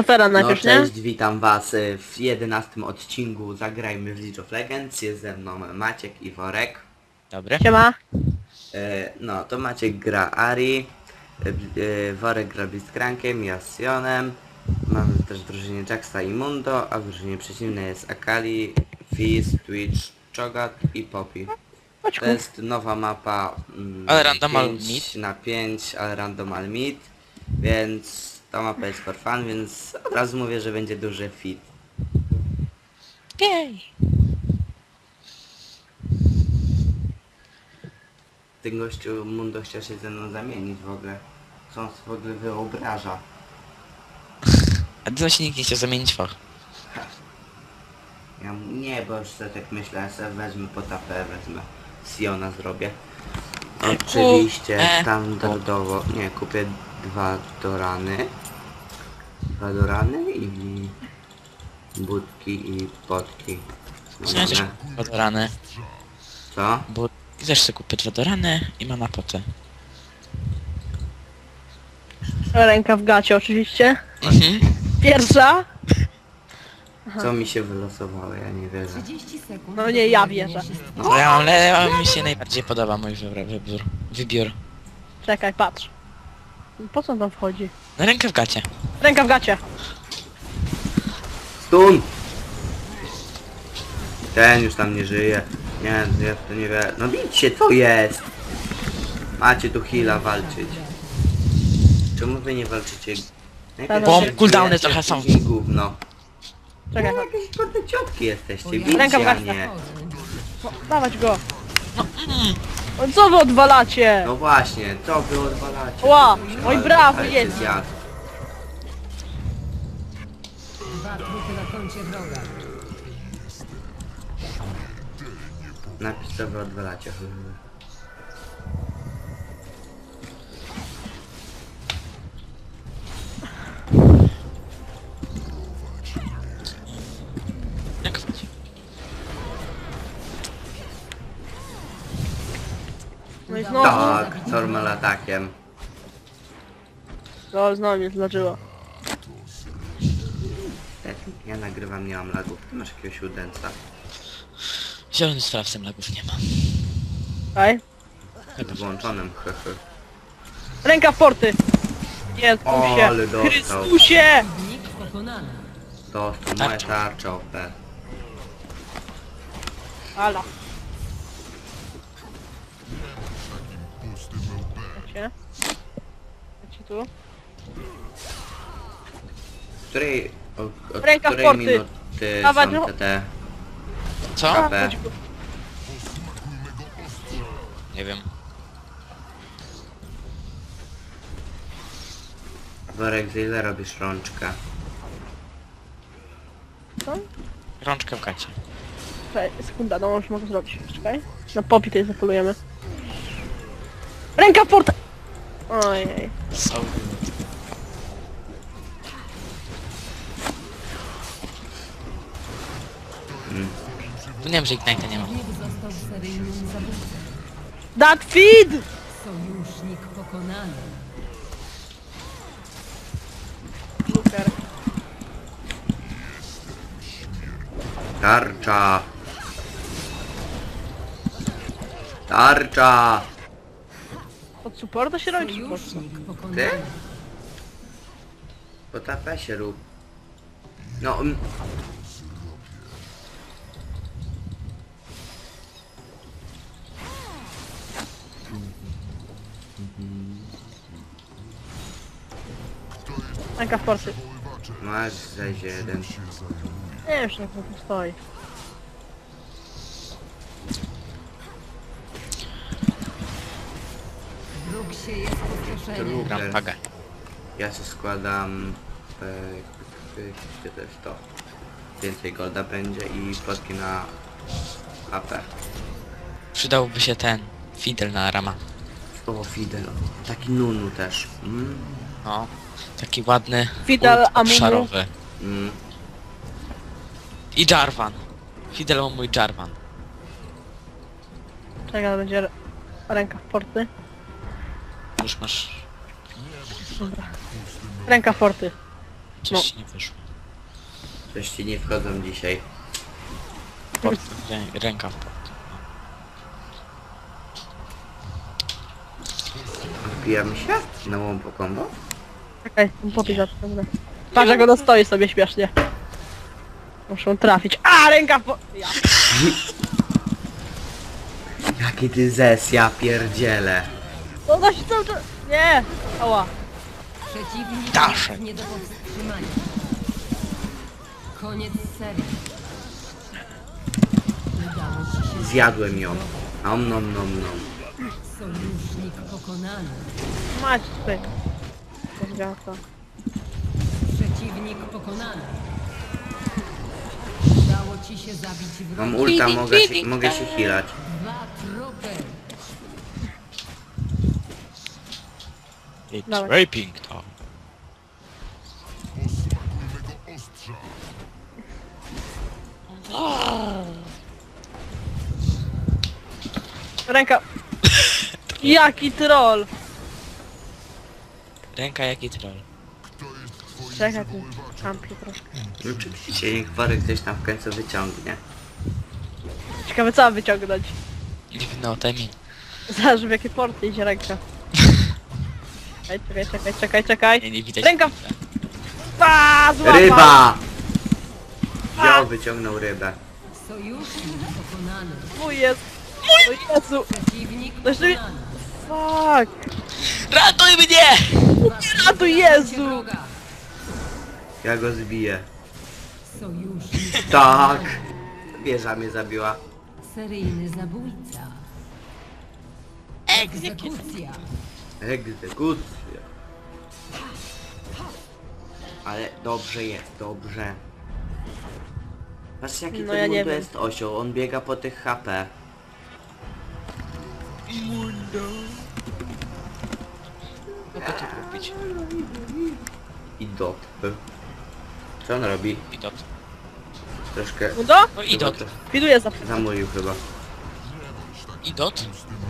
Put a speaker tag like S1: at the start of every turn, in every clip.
S1: Zofera
S2: No
S1: najpierw, nie?
S2: cześć, witam was w 11 odcinku Zagrajmy w League of Legends. Jest ze mną Maciek i Worek.
S3: Dobry.
S1: Siema.
S2: No to Maciek gra Ari, Worek gra Blitzcrankiem, ja z Sionem. Mamy też w drużynie Jaxa i Mundo, a w drużynie przeciwnej jest Akali, Fizz, Twitch, Cho'Gath i Poppy.
S1: Chodź
S2: To
S1: ku.
S2: jest nowa mapa
S3: Ale randomal
S2: 5 na 5, ale randomal mid, więc ta mapa jest for fun, więc od razu mówię, że będzie duży fit.
S3: Jej.
S2: Ten gościu Mundo chciał się ze mną zamienić w ogóle. Co on sobie w ogóle wyobraża?
S3: A ty się nikt nie chciał zamienić fach.
S2: Nie, bo już sobie tak myślę, ja sobie wezmę potapę, wezmę Siona zrobię. Oczywiście standardowo, nie, kupię dwa dorany i budki i potki.
S3: Ja też kupię dwa dorany,
S2: Co?
S3: bo też sobie kupię dwa dorany i mam na potę.
S1: Ręka w gacie oczywiście.
S3: Mhm.
S1: Pierwsza.
S2: Co mi się wylosowało, ja nie wierzę.
S4: 30 sekund.
S1: No nie, ja wierzę.
S3: To ja mam, ale mi się najbardziej podoba mój wybiór.
S1: Czekaj, patrz. Po co on tam wchodzi?
S3: Na rękę w gacie.
S1: Ręka w gacie.
S2: Stun! Ten już tam nie żyje. Nie, ja to nie wiem. No bicie, co jest? Macie tu heala walczyć. Czemu wy nie walczycie? Najpierw
S3: Bo
S2: się
S3: cooldowny
S2: bijecie,
S3: trochę są.
S2: później gówno.
S1: Czekaj,
S2: No jakieś kurde ciotki jesteście,
S1: Ręka w
S2: bicie, a
S1: gacie.
S2: nie.
S1: no, dawać go. O, co wy odwalacie?
S2: No właśnie, co wy odwalacie?
S1: Ła,
S2: Ale-
S1: oj brawo,
S2: ale
S1: jest.
S2: się zjadł.
S4: Dwa trupy na koncie wroga.
S2: Napisz co wy odwalacie.
S3: Ręka w gacie.
S1: No i znowu.
S2: Tak, normal atakiem.
S1: No, znowu mnie zdarzyło.
S2: Ja nagrywam, nie mam lagów. Ty masz jakiegoś udęca.
S3: Zielony sprawcem lagów nie ma.
S1: Daj.
S2: Z włączonym, hehe.
S1: Ręka w porty. Jezusie.
S2: O, ale dostał.
S1: Chrystusie.
S4: Nikt pokonany.
S2: Dostał moja tarcza OP.
S1: Ala. Macie? Macie tu?
S2: Której... Od
S1: Ręka w
S2: której
S1: porty.
S2: minuty
S1: Dawać,
S2: są
S1: no.
S2: te
S3: Co?
S2: KP?
S1: Chodź tu.
S3: Nie wiem.
S2: Worek, za ile robisz rączkę?
S1: Co?
S3: Rączkę w gacie.
S1: Czekaj, sekunda, no już mogę zrobić. Czekaj. Na popi tutaj zapolujemy. Ręka w portę! Ojej.
S3: So. Tu nie wiem, że Ignite'a nie ma.
S4: Nikt został seryjnym zabójcą.
S1: That feed!
S4: Sojusznik pokonany.
S1: Luker.
S2: Tarcza! Tarcza!
S1: Od supporta się robi czy po co?
S4: Sojusznik
S2: Ty?
S4: pokonany.
S2: Po tapę się rób. No...
S1: Ręka w porty.
S2: Masz zejdzie jeden.
S1: Nie wiem, czy jak to tu stoi.
S4: Wróg się jest pustoszenie.
S3: Gram
S2: Luker.
S3: pagę.
S2: Ja się składam... Gdzie to jest to? Więcej golda będzie i plotki na AP.
S3: Przydałby się ten Fidel na rama.
S2: O, Fidel. Taki Nunu też.
S3: No. Taki ładny
S1: Fidel
S3: ult
S1: Amumu.
S3: obszarowy.
S2: Mm.
S3: I Jarvan. Fidel mój Jarvan.
S1: Czekaj, to będzie ręka w porty.
S3: Już masz...
S1: Ręka w porty.
S3: Coś ci nie wyszło.
S2: Coś ci nie wchodzą dzisiaj.
S3: Ręka w port.
S2: Wbijamy się? Na łompo combo?
S1: Czekaj, popij za to. Patrz jak ono stoi sobie śmiesznie. Muszą trafić. A, ręka po... Ja.
S2: Jaki ty zes, ja pierdzielę.
S1: Ona się cały czas... Nie! Ała.
S4: Przeciwnik
S3: Daszek.
S4: jest nie do powstrzymania. Koniec serii. Udało ci się.
S2: Zjadłem ją. Om nom nom nom.
S4: Sojusznik pokonany.
S1: Mać tutaj. Zgata.
S4: Przeciwnik pokonany. Udało ci się zabić wroga.
S2: Mam ulta, mogę się healać.
S4: 2 trupy.
S3: It's
S1: Dawaj.
S3: raping to.
S1: Ręka. Jaki troll.
S3: Ręka jaki troll.
S1: Czekaj, tu kampi troszkę.
S2: No oczywiście, niech Worek coś tam w końcu wyciągnie.
S1: Ciekawe co mam wyciągnąć.
S3: No, Temi.
S1: Zależy w jakie porty idzie ręka. Czekaj.
S3: Nie widać.
S1: Ręka. Pa, złapał.
S2: Ryba! Wziął, wyciągnął rybę.
S4: Sojusznik pokonany.
S1: Mój jest. O Jezu.
S4: Przeciwnik
S1: Jeszcze mi-
S4: pokonany.
S1: Fuck.
S3: Ratuj mnie!
S1: A tu Jezu.
S4: Wroga.
S2: Ja go zbiję.
S4: Sojusznik
S2: Tak! Wieża mnie zabiła.
S4: seryjny zabójca. Egzekucja.
S2: Egzekucja. Ale dobrze jest, dobrze. Patrzcie jaki
S1: No
S2: ten
S1: ja nie
S2: Mundo
S1: wiem.
S2: jest osioł, on biega po tych HP.
S3: Mogę to kupić.
S2: I dot. Co on robi?
S3: I dot.
S2: Troszkę...
S1: Mundo?
S3: No i
S2: chyba
S3: dot.
S2: to
S1: Widuję za...
S2: Zamówił chyba.
S3: I dot?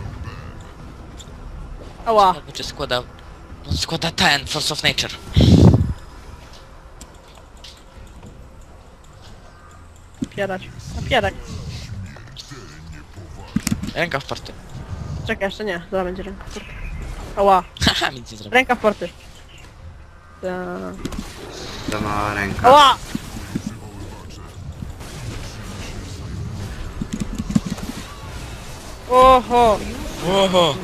S1: Ała.
S3: Czy składa... No składa ten, Force of Nature.
S1: Napierać. Napierać.
S3: Ręka w porty.
S1: Czekaj, jeszcze nie. Zaraz będzie ręka w porty. Ała.
S3: Haha, nic nie zrobię.
S1: Ręka w porty.
S2: To mała ręka.
S1: Ała! Oho!
S3: Oho!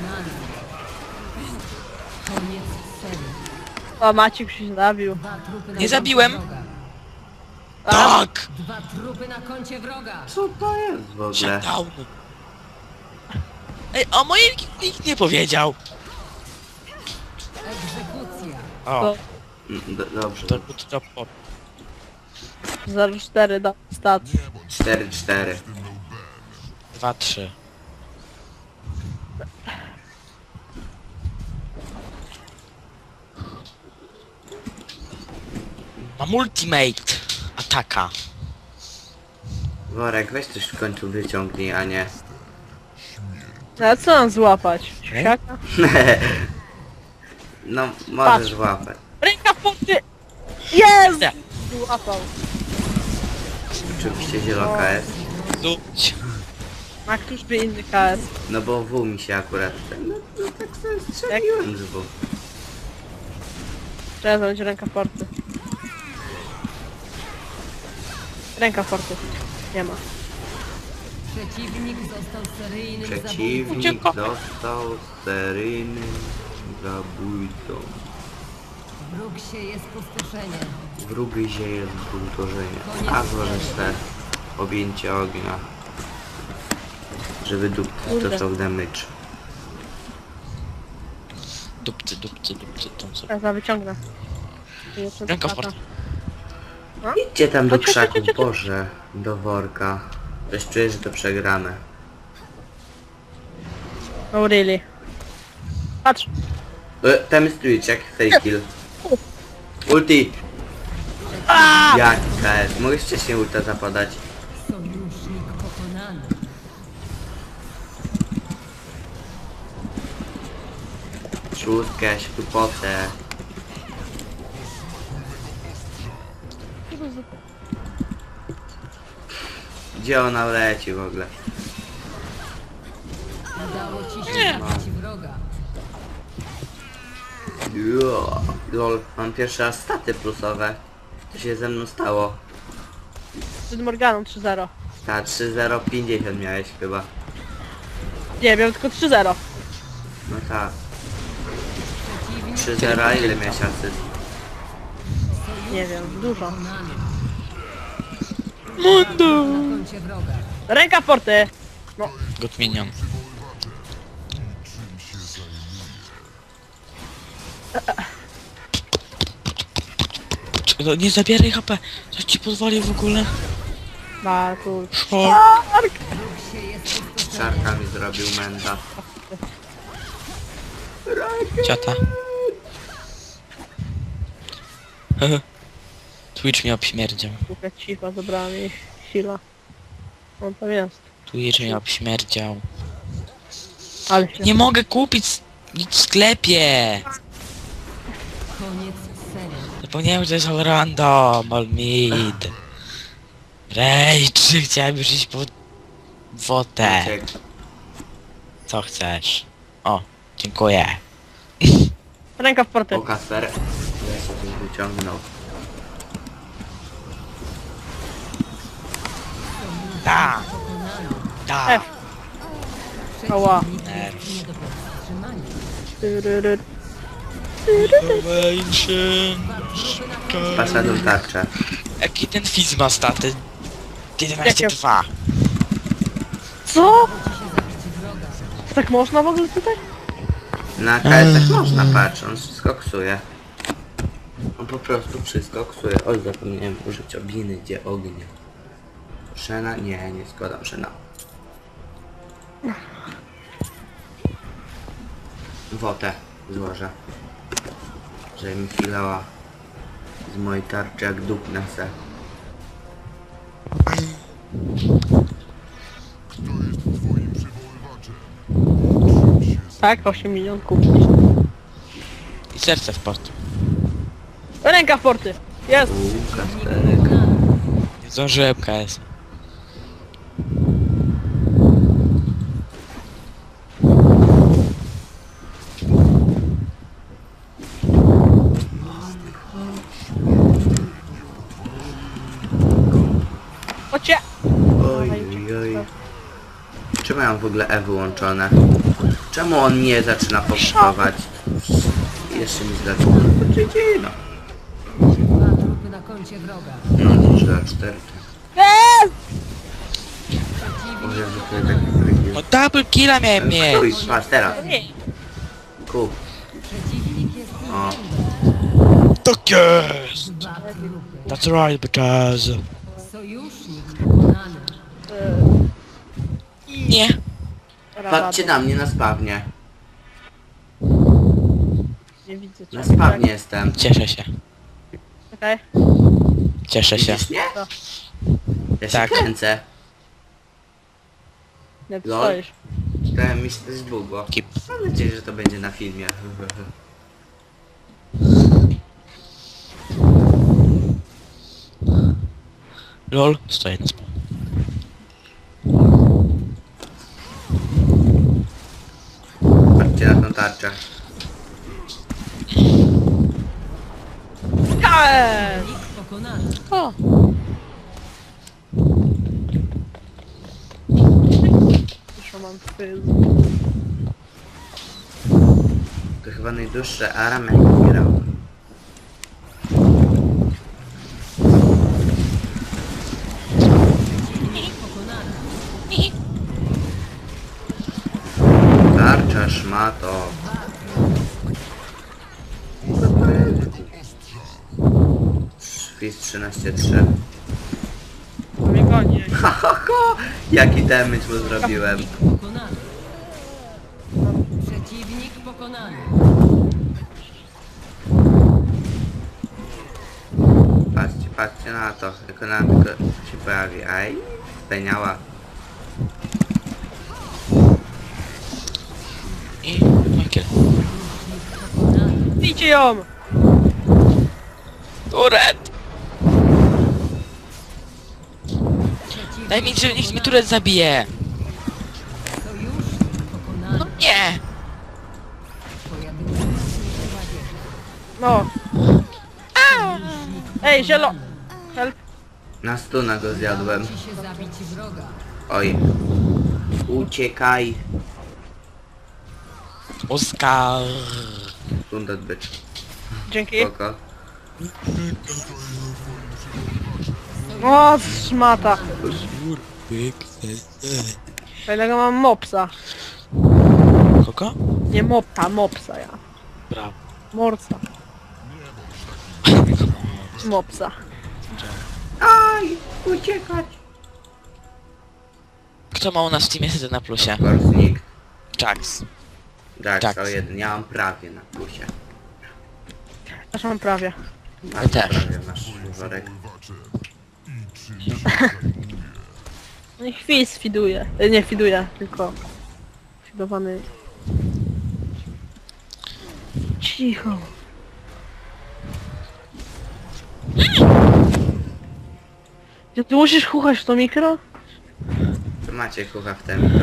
S4: Koniec serii.
S1: A Maciek się zabił.
S4: 2 trupy na
S3: Nie zabiłem.
S4: koncie wroga.
S3: Tak!
S4: 2 trupy na koncie wroga.
S2: Co to jest w ogóle?
S3: Shutdown. Ej, o mojej nikt nie powiedział.
S4: Egzekucja.
S3: O,
S2: Dobrze.
S3: to to port.
S1: 0,4 do stat.
S2: 4-4.
S3: 2-3. Mam ultimate ataka.
S2: Worek, weź coś w końcu wyciągnij, a nie...
S1: A co mam złapać? Siaka?
S2: No, możesz
S1: Patrz.
S2: łapać.
S1: Ręka w porty! Jest!
S3: Nie.
S1: Złapał.
S2: Oczywiście zielonka jest.
S3: Zuć.
S1: Ma któż by inny KS?
S2: No bo W mi się akurat... No tak sobie strzeliłem z W.
S1: Trzeba będzie ręka w porty. Ręka w porty. Nie ma.
S4: Przeciwnik został seryjnym zabójcą.
S2: Przeciwnik
S3: Uciekł.
S2: został seryjnym zabójcą.
S4: Wróg sieje spustoszenie.
S2: Wróg zieje zbuntorzenie. A złożysz te objęcie ognia. Żeby dupcy
S1: Kurde.
S2: dostał damage.
S3: Dupcy, tą co.
S1: Teraz wyciągnę. Jeszcze
S3: Ręka w
S1: lata.
S3: porty.
S2: Idźcie tam do
S1: Chodź, chodź,
S2: krzaku,
S1: chodź, chodź.
S2: Boże. Do worka. Coś czuję, że to przegrane.
S1: No really. Patrz.
S2: Tam jest Twitch, jak fake kill. Ulti! Jaki KS? Mogłeś wcześniej ulta zapadać.
S4: Sojusznik pokonany.
S2: Szóstkę, się tu potę. Gdzie ona leci w ogóle?
S4: Udało ci się zabić wroga.
S2: Jo, lol, mam pierwszy raz staty plusowe. Co się ze mną stało?
S1: Przed Morganą 3-0.
S2: Ta 3-0-50 miałeś chyba.
S1: Nie, miałem tylko 3-0.
S2: No tak.
S4: Przeciwnik
S2: 3-0, a ile miałeś asyst?
S1: Nie wiem, dużo.
S4: pokonany.
S3: Mundo!
S4: Na koncie wroga.
S1: Ręka w porty!
S3: Good minion. Nie zabieraj HP! Co ci pozwoli w ogóle?
S1: Marku.
S3: O,
S4: Wróg się jest pustoszenie.
S2: Czarka mi zrobił menda.
S3: ciota. Twitch mnie obśmierdział.
S1: Słuchaj, cicha, zabrała mi sila. On tam jest.
S3: Twitch mnie obśmierdział.
S1: Ale się...
S3: Nie mogę kupić nic w sklepie!
S4: Koniec serii.
S3: Zapomniałem, że to jest all random, all mid. Rage, chciałem już iść po wodę.
S2: Maciek,
S3: Co chcesz? O, dziękuję.
S1: Ręka w porty.
S2: o Kasper. Ja się tu wyciągnął.
S3: Da!
S4: Pokonany.
S3: Da!
S1: F. Ała.
S4: Przeciwnik
S3: Nerw.
S4: jest nie do powstrzymania.
S1: Tyryry.
S2: Pasza do tarczę.
S3: Jaki ten fizz ma staty? 11-2.
S1: Co?
S4: Ci się zabić wroga.
S1: Tak można w ogóle tutaj?
S2: Na KS można, patrz, on wszystko ksuje. On po prostu wszystko ksuje. Oj, zapomniałem użyć obiny, gdzie ognia. Szena? Nie, nie składam szena. Wotę złożę. Żeby mi chwilała z mojej tarczy jak dupnę se.
S1: Tak, 8 milionów kupić.
S3: I serce w portu.
S1: Ręka w porty! Jest!
S2: Kasperek.
S3: Nie zdążyłem KS.
S1: Chodźcie!
S2: Oj, oj, oj. Czemu ja mam w ogóle E wyłączone? Czemu on nie zaczyna powstawać? Jeszcze mi zaczyna. No,
S4: Dwa trupy na koncie wroga.
S2: no 3 a 4.
S1: Jest!
S2: O Jezu, to tak wygląda.
S3: No double killa miałem mieć!
S2: Stój, patrz teraz.
S1: Nie.
S2: Kup.
S4: Przeciwnik jest
S2: O,
S3: Tak jest!
S4: dwa trupy.
S3: That's right, because...
S4: Sojusznik pokonany.
S3: Nie.
S2: patrzcie na mnie na spawnie.
S1: Nie widzę cię.
S2: Na spawnie jestem.
S3: Cieszę się.
S1: Okej.
S3: Cieszę się.
S2: Widzisz mnie?
S1: Tak.
S2: Ja się
S3: Tak.
S2: kręcę.
S1: Nie, ty
S2: Lol.
S1: stoisz.
S2: To mi się coś zbugło.
S3: Kip.
S2: Mam nadzieję, że to będzie na filmie.
S3: LOL, stoję na spawn.
S2: Patrzcie na tą tarczę.
S1: KS!
S4: Pokonany.
S3: O!
S1: Już mam fyz.
S2: To chyba najdłuższe aram jak grał.
S4: Pokonany.
S2: Tarcza szmato. Fizz 13-3.
S1: To mnie goni.
S2: Jaki damage mu zrobiłem.
S4: Pokonany. Przeciwnik pokonany.
S2: Patrzcie, patrzcie na to. Jak ona tylko się pojawi. Aj, speniała.
S3: I Michael.
S4: Pokonany.
S1: Bijcie ją!
S3: Turet! Daj mi, że niech mi turet zabije.
S4: Sojusznik pokonany.
S3: No nie!
S4: Twoja drużyna zniszczyła wieżę.
S1: No. Ej, zielo... Help.
S2: Na stuna go zjadłem.
S4: Ci się zabić wroga.
S2: Oj. Uciekaj.
S3: Oskar.
S2: Stun odbyć.
S1: Dzięki.
S2: Spoko.
S1: O, szmata. Fajnego mam mopsa.
S3: Kogo?
S1: Nie mopta, mopsa ja.
S3: Brawo.
S1: Morsa. Mopsa.
S2: Aj! Uciekać!
S3: Kto ma u nas w teamie wtedy na plusie?
S2: Of course nikt.
S3: Jax.
S2: Tak,
S3: Jax.
S2: to jeden. Ja mam prawie na plusie.
S1: Też mam prawie.
S3: Ja też.
S2: Prawie masz worek.
S1: No i chwis fiduje. Nie fiduje, tylko... Fidowany... Cicho. Ty musisz chuchać w to mikro?
S2: To macie kucha w tym.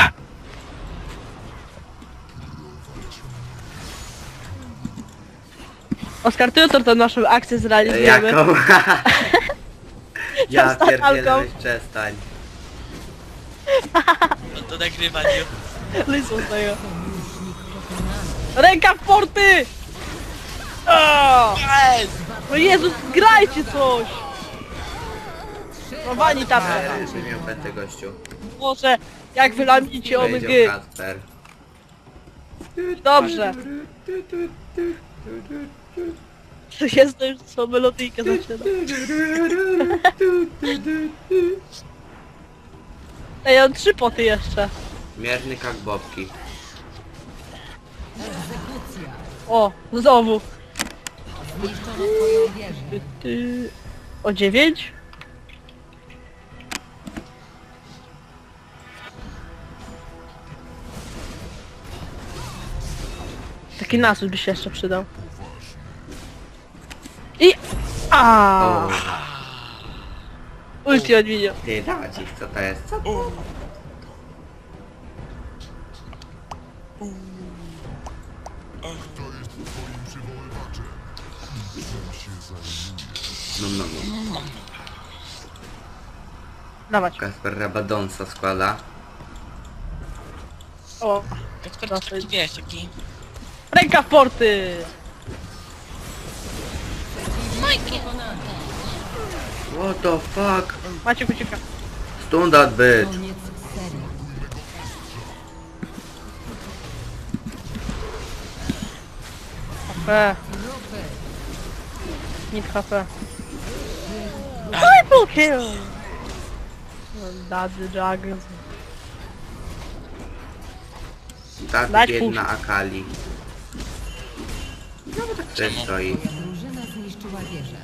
S1: Oskar, ty jutro tę naszą akcję zrealizujemy.
S2: Jaką? Ja
S1: Przestań,
S2: pierdzielę,
S1: Alko.
S2: weź przestań.
S3: No to nagrywaniu.
S1: Lysą z tego. Ręka w porty! O! No Jezus, grajcie coś! No wani tam.
S2: Ryby miał petę gościu.
S1: Może, jak wylamicie
S2: Wejdzie
S1: omygy.
S2: Kasper.
S1: Dobrze. Jest to już co melodyjkę zaczyna. Ej, ja mam 3 poty jeszcze.
S2: Mierny jak bobki.
S4: Egzekucja.
S1: O, znowu.
S4: Zniszczono twoją wieżę.
S1: O 9? Taki nasus by się jeszcze przydał. I...
S2: O,
S1: Ulti odwiedził.
S2: ty dawać ich, co to jest? Co to? No, no, no.
S1: Dawać.
S2: Kasper Rabadonsa składa.
S1: O,
S3: Kacper,
S1: Dosyć.
S3: taki wiesz, taki...
S1: ręka w porty!
S4: Pokonany.
S2: What the fuck?
S1: Macie ucieka.
S2: Stun that bitch.
S4: Koniec serii.
S1: HP.
S4: Trupy.
S1: Need HP. Triple kill! Daddy Juggles.
S2: Tak
S1: Dać
S2: biedna Akali. No bo tak sobie stoi.
S4: Twoja drużyna zniszczyła wieżę.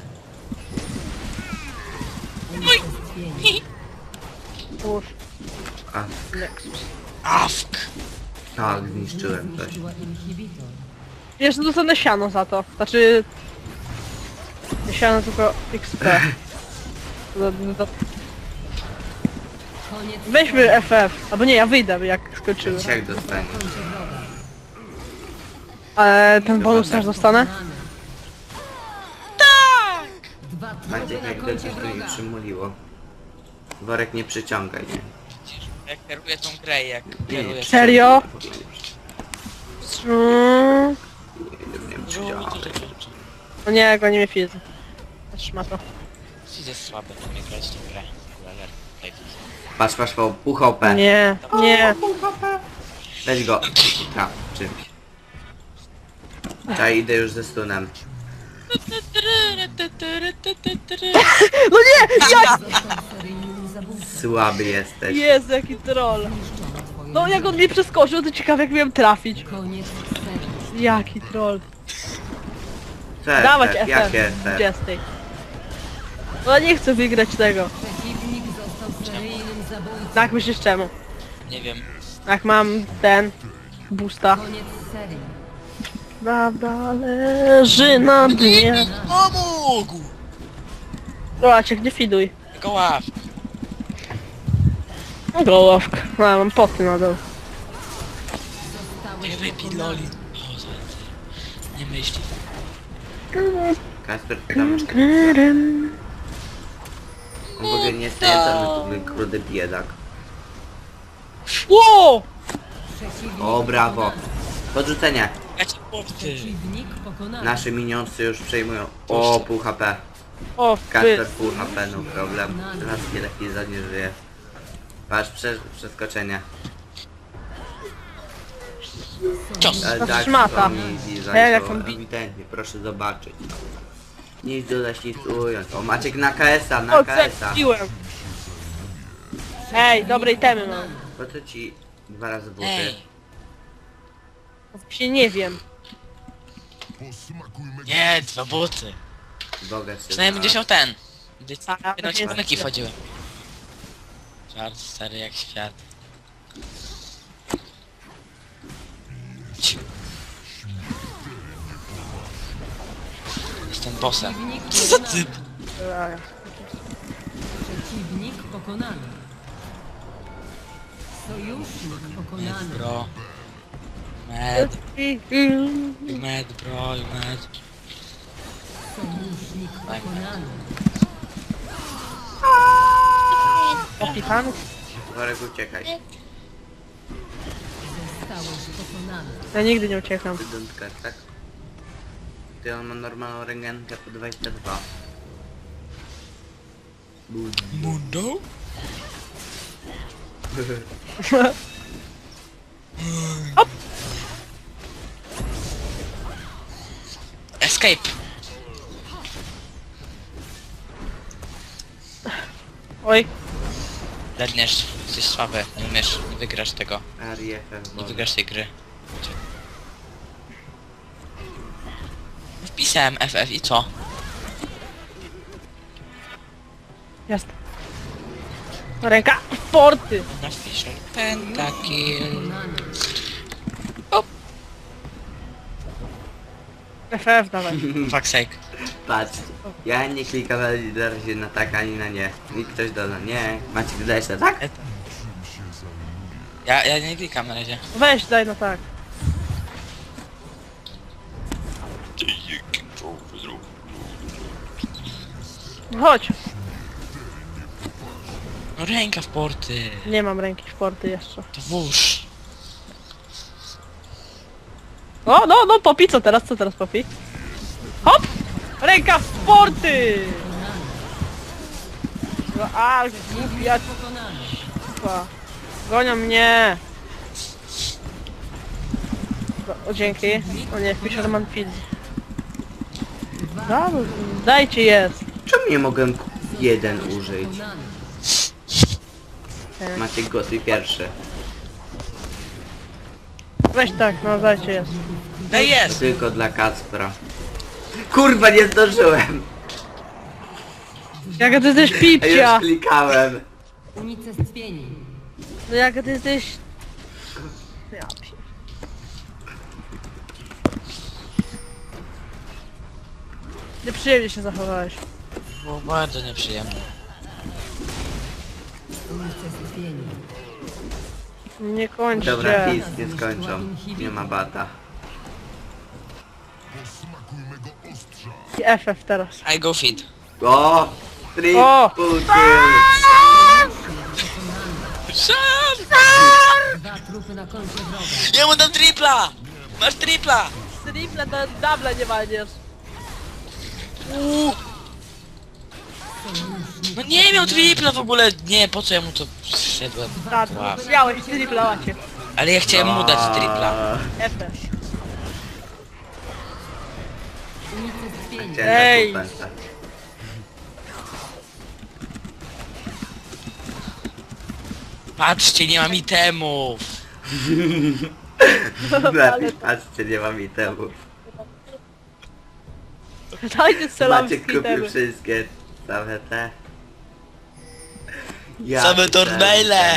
S4: Unicestwienie.
S1: Push.
S2: A,
S1: Next.
S3: Awk!
S2: tak, zniszczyłem coś.
S4: Zniszczyła inhibitor.
S1: Jeszcze dostanę siano za to. Znaczy... Nie siano, tylko XP.
S4: Koniec
S1: Weźmy FF. Albo nie, ja wyjdę jak skończymy.
S2: Jak dostaniesz?
S4: kończy wroga.
S1: Ale ten bonus też dostanę?
S4: Pokonany. Dwa trupy
S2: Maciek,
S4: na
S2: jak
S4: koncie
S2: dobrze to nie
S4: wroga.
S2: przymuliło. Worek nie przyciągaj, nie?
S3: Jak kieruję tą grę, jak kieruję...
S1: Serio?
S2: W ogóle nie
S1: Mm.
S2: przyciągaj.
S1: No nie, goni mnie fizy. Trzyma to.
S3: Jest słaby, to mnie grać tą grę.
S2: Patrz, patrz, pół HP.
S1: Nie, nie.
S2: Weź go. Traf, czymś. Ja idę już ze stunem.
S1: No nie! Jak?
S4: Został seryjnym zabójcą.
S2: Słaby jesteś.
S1: Jezu, jaki troll.
S4: Zniszczono twoją
S1: No jak on mnie przeskoczył, to ciekawe jak miałem trafić.
S4: Koniec serii.
S1: Jaki troll.
S2: Co
S1: Dawać
S2: FF?
S1: FF.
S2: Jakie FF?
S1: 20. No ja nie chcę wygrać tego.
S4: Przeciwnik został seryjnym zabójcą.
S1: Jak myślisz czemu?
S3: Nie wiem.
S1: Jak mam ten... Boosta.
S4: Koniec serii.
S1: Prawda leży na dnie.
S3: Pomógł!
S1: Zobaczcie, gdzie fiduj.
S3: Tylko ław.
S1: No gołowka. No, mam poty na dół.
S3: Nie wypij loli. O, za ty. Nie myśli.
S2: Kasper, tam już on w ogóle nie jest najedzony, to w ogóle krudy biedak.
S1: Ło!
S4: Przeciwnik
S2: O, brawo. Podrzucenie.
S3: Ja cię porty.
S4: Przeciwnik pokonany.
S2: Nasi minionsy już przejmują. O, pół HP.
S1: O,
S2: Kasper
S1: wy.
S2: pół HP, no problem. Teraz wiele chwil nie żyje. Patrz, przeskoczenie.
S3: Cios.
S2: Ale
S1: To
S2: tak,
S1: szmata.
S2: to mi
S1: Jak
S2: zajęło
S1: on bi-
S2: ewidentnie, proszę zobaczyć. Nic dodać, nic ująć. O, Maciek na KS-a, na
S1: O,
S2: KS-a.
S1: zepsułem. Ej, dobrej temy mam.
S2: Po co ci 2 razy buty?
S3: Ej.
S1: Się nie wiem.
S3: Nie, 2 buty.
S2: Bogacz się
S3: Przynajmniej będziesz miał ten. Gdy
S1: A, ja
S3: jedną
S1: właśnie
S3: ci
S1: jest-
S3: wchodziły. Żart stary jak świat. Ciu. Jestem bossem.
S4: Przeciwnik
S3: Co za
S4: pokonany.
S3: typ?
S4: Przeciwnik pokonany. Sojusznik
S3: Med
S4: pokonany.
S3: bro. Med, med bro, med.
S4: Sojusznik pokonany.
S1: Opikany?
S2: Worek, uciekaj.
S4: Zostałeś pokonany.
S1: Ja nigdy nie uciekam.
S2: Ty don't care, tak? Ty, on ma normalną ręgenkę po 22.
S3: Mundo? Escape!
S1: Oj,
S3: Ledniesz, jesteś słaby, nie umiesz, nie wygrasz tego,
S2: RFF,
S3: nie wygrasz tej gry. Wpisałem FF i co?
S1: jest. Ręka w porty.
S3: Na Fisher Pentakill.
S4: Pokonany.
S1: FF dawaj.
S3: Fuck sake.
S2: Patrz, ja nie klikam na razie na tak ani na nie. I ktoś doda, nie. Maciek, dodajesz na tak?
S3: Ja nie klikam na razie.
S1: Weź, daj no tak. No chodź.
S3: No ręka w porty.
S1: Nie mam ręki w porty jeszcze.
S3: To włóż.
S1: O, no, Popi, co teraz, Popi? Hop! Ręka w porty! No, a, głupia
S4: Pokonany.
S1: c***a. Gonią mnie! O, dzięki. O nie, Fisherman Field. Dajcie jest.
S2: Czemu nie mogę jeden użyć?
S4: Pokonany.
S2: Maciek, głosuj pierwszy.
S1: Weź tak, no dajcie jest.
S3: No jest!
S2: Tylko dla Kacpra. Kurwa, nie zdążyłem!
S1: Jaka ty jesteś
S2: A już
S1: pipcia!
S2: klikałem.
S4: Unicestwieni.
S1: No jaka ty jesteś... Ja pie... Nieprzyjemnie się zachowałeś.
S3: Było bardzo nieprzyjemne.
S4: Unicestwieni.
S1: Nie kończcie.
S2: Dobra, nic nie skończą. Nie ma bata.
S1: I FF teraz.
S3: I go fit.
S2: O!
S1: O!
S2: Triple kill!
S4: Dwa trupy na koncie wroga.
S3: Ja mu dam tripla! Masz tripla!
S1: Triple do double nie walniesz.
S3: No nie miał tripla w ogóle! Nie, po co ja mu to wszedłem?
S1: Tak,
S3: Wow.
S1: miałeś triple, łacie.
S3: Ale ja chciałem mu dać tripla.
S1: FF.
S4: Unicestwieni.
S2: Chciałem
S1: Ej!
S2: na kupę.
S3: Patrzcie, nie mam itemów!
S2: Lepiej patrzcie, nie mam itemów.
S1: Dajcie
S2: Maciek
S1: selamskie
S2: kupił
S1: itemy.
S2: wszystkie same te.
S3: Same turmaile.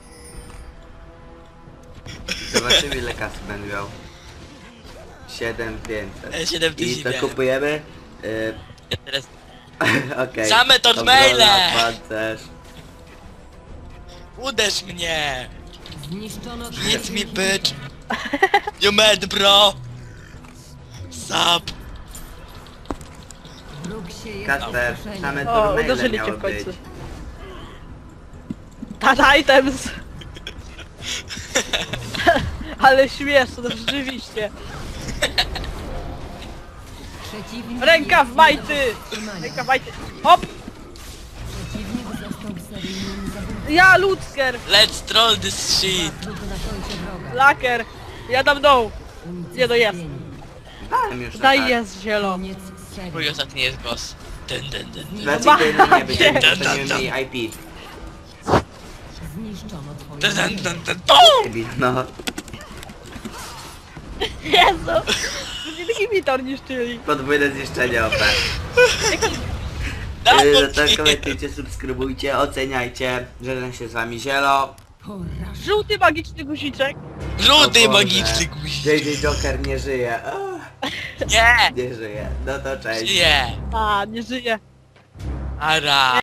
S2: Zobaczymy, ile kasy będę miał. 7500.
S3: 7000
S2: I to
S3: miałem.
S2: kupujemy?
S3: Ja teraz...
S2: Okej.
S3: Same turmaile.
S2: Obrona, pancerz.
S3: Uderz mnie!
S4: Zniszczono
S3: Hit me, bitch! You mad, bro! Sap!
S4: Wróg się jest
S2: Kasper,
S4: opuszczenie.
S2: same
S1: O,
S2: turmaile
S1: uderzyli cię
S2: miały
S1: w końcu.
S2: być.
S1: Tata items! Ale śmieszne, no rzeczywiście.
S4: Przeciwnik
S1: Ręka w
S4: jest
S1: majty!
S4: zatrzymania.
S1: Ręka w majty! Hop!
S4: Przeciwnik został seryjnym zabójcą.
S1: Ja, Lutzker!
S3: Let's troll this shit!
S4: Trupy na koncie wroga.
S1: Laker! Ja dam dół! Nie, no jest.
S2: Dałem już
S1: Daj
S2: atak.
S1: jest zielo.
S4: Koniec serii.
S3: Mój ostatni jest boss.
S2: Dlaczego
S1: Zobaczcie.
S2: nie być, to nie mieli IP.
S4: Zniszczono twoje
S3: Dun, dun,
S4: wrogi.
S3: dun, dun, BOOM!
S2: Debil, no.
S1: Jezu! Nie taki witor niszczyli.
S2: Podwójne zniszczenie OP.
S3: Dawaj,
S2: To komentujcie, subskrybujcie, oceniajcie. Żegnam się z wami Zielo.
S4: Poraż.
S1: Żółty magiczny guziczek.
S3: Żółty
S2: O Boże.
S3: magiczny guzik!
S2: JJ Joker nie żyje.
S3: Nie!
S2: Nie żyje. No to cześć.
S3: Nie!
S1: A, nie żyje.
S3: Ara!